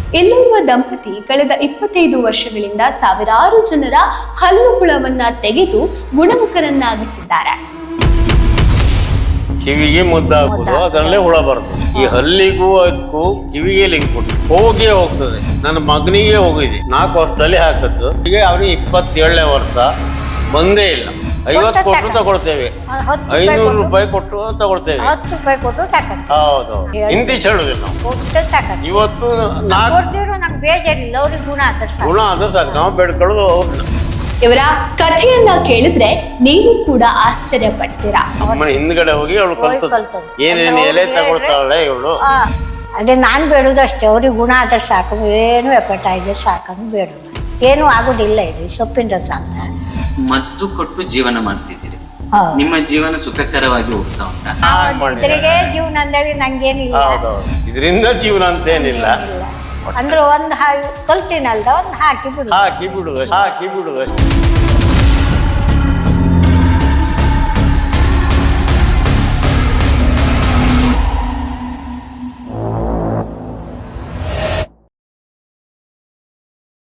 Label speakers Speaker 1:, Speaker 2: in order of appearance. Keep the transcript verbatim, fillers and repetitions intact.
Speaker 1: ಇಲ್ಲಿರುವ ದಂಪತಿ ಕಳೆದ ಇಪ್ಪತ್ತೈದು ವರ್ಷಗಳಿಂದ ಸಾವಿರಾರು ಜನರ ಹಲ್ಲು ಹುಳವನ್ನ ತೆಗೆದು ಗುಣಮುಖರನ್ನಾಗಿಸಿದ್ದಾರೆ.
Speaker 2: ಕಿವಿಗೆ ಮುದ್ದಾಗುವುದು ಅದರಲ್ಲೇ ಹುಳ ಬರ್ತದೆ. ಈ ಹಲ್ಲಿಗೂ ಅದಕ್ಕೂ ಕಿವಿಗೆ ಲಿಂಕ್ ಕೊಟ್ಟು ಹೋಗೇ ಹೋಗ್ತದೆ. ನನ್ನ ಮಗನಿಗೆ ಹೋಗಿದೆ, ನಾಲ್ಕು ವರ್ಷದಲ್ಲಿ ಹಾಕದ್ದು. ಈಗ ಅವನಿಗೆ ಇಪ್ಪತ್ತೇಳನೇ ವರ್ಷ ಬಂದೇ ಇಲ್ಲ. ಐವತ್ತು ಕೊಟ್ಟು ತಗೊಳ್ತೇವೆ, ಐನೂರು ರೂಪಾಯಿ ಕೊಟ್ಟು ತಗೊಳ್ತೇವೆ. ಹೌದು, ಹಿಂದಿ ಚಳುದಿಲ್ಲ ನಾವು. ಇವತ್ತು
Speaker 3: ನಾಲ್ಕು ಬೇಜಾರಿಲ್ಲ, ಅವ್ರಿಗೆ ಗುಣ ಆದ್ರೆ
Speaker 2: ಗುಣ ಆದ್ರೆ ಸಾಕು, ನಾವು ಬೇಡ್ಕೊಳ್ಳೋದು ಅವ್ರನ್ನ.
Speaker 1: ಇವರ ಕಥೆಯನ್ನ ಕೇಳಿದ್ರೆ ನೀವು ಕೂಡ ಆಶ್ಚರ್ಯ ಪಡ್ತೀರಾ.
Speaker 2: ಅಮ್ಮನ ಹಿಂದ್ಗಡೆ ಹೋಗಿ ಅವಳು ಕಲ್ತದ್ದು ಏನೇನು ಎಲೆ ತಗೊಳ್ತಾಳೆ ಇವಳು.
Speaker 3: ಅದೇ ನಾನ್ ಬೇಡುದು ಅಷ್ಟೇ, ಅವ್ರಿಗೆ ಗುಣ ಆದ್ರೆ ಸಾಕು, ಏನು ಎಫೆಕ್ಟ್ ಆಗಿದೆ ಸಾಕಂದು ಬೇಡುದು. ಏನು ಆಗುದಿಲ್ಲ ಇದು ಸೊಪ್ಪಿನ ರಸ ಅಂತ.
Speaker 4: ಮದ್ದು ಕೊಟ್ಟು ಜೀವನ ಮಾಡ್ತಿದ್ದೀರಿ, ನಿಮ್ಮ ಜೀವನ ಸುಖಕರವಾಗಿ ಹೋಗ್ತಾ ಉಂಟಾ?
Speaker 3: ಇದ್ರಿಗೆ ಜೀವನ ಅಂದೇಳಿ ನಂಗೇನಿಲ್ಲ,
Speaker 2: ಇದರಿಂದ ಜೀವನ ಅಂತೇನಿಲ್ಲ.
Speaker 3: ಅಂದ್ರೆ ಒಂದ್ ಕಲ್ತೀನಲ್ದ ಒಂದ್ ಹಾಕಿ ಬಿಡು
Speaker 2: ಹಾಕಿ ಬಿಡುದು ಹಾಕಿ ಬಿಡುದು ಅಷ್ಟೇ.